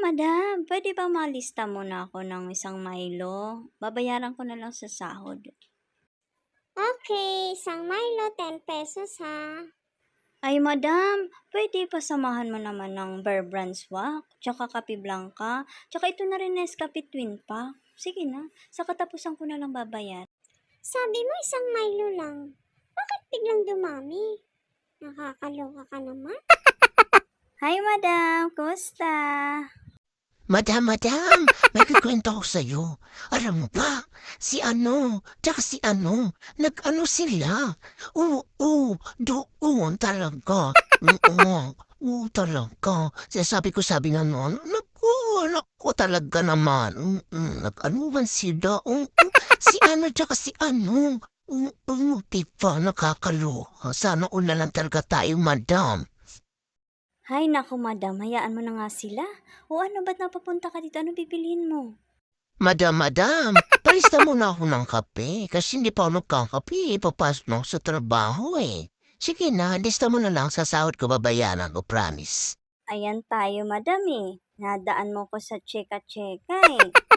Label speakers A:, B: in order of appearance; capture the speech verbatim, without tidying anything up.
A: madam, puwede ba malista muna ako ng isang Milo? Babayaran ko na lang sa sahod.
B: Okay, isang Milo, ten pesos ha.
A: Ay madam, puwede pa samahan mo naman ng Bear Brand Swak, tsaka Kape Blanca, tsaka ito na rin Nescafe Twin Pack. Sige na, sa katapusan ko na lang babayaran.
B: Sabi mo isang Milo lang. Bakit biglang dumami? Nakakaloka ka naman.
A: Hi madam, kumusta?
C: Madam, madam, may kikwento ko sa'yo. Alam mo ba, si ano, tsaka si ano, nag-ano sila. Oo, oo, doon talaga. Oo, oo talaga. Sinasabi ko, sabi nga noon, naku, naku talaga naman. Mm, Nag-ano man sila. Oo, si ano, tsaka si ano. Oo, oo, diba, nakakaloka. Sana una lang talaga tayo, madam.
A: Hay naku madam, hayaan mo na nga sila. O ano, ba't napapunta ka dito? Ano bibilhin mo?
C: Madam, madam, palista muna ako ng kape kasi hindi pa ako nagkakape. Papasok na ako sa trabaho eh. Sige na, lista mo na lang sa sahod ko babayaran ko, promise.
A: Ayan tayo madam eh. Nadaan mo ko sa cheka-cheka eh.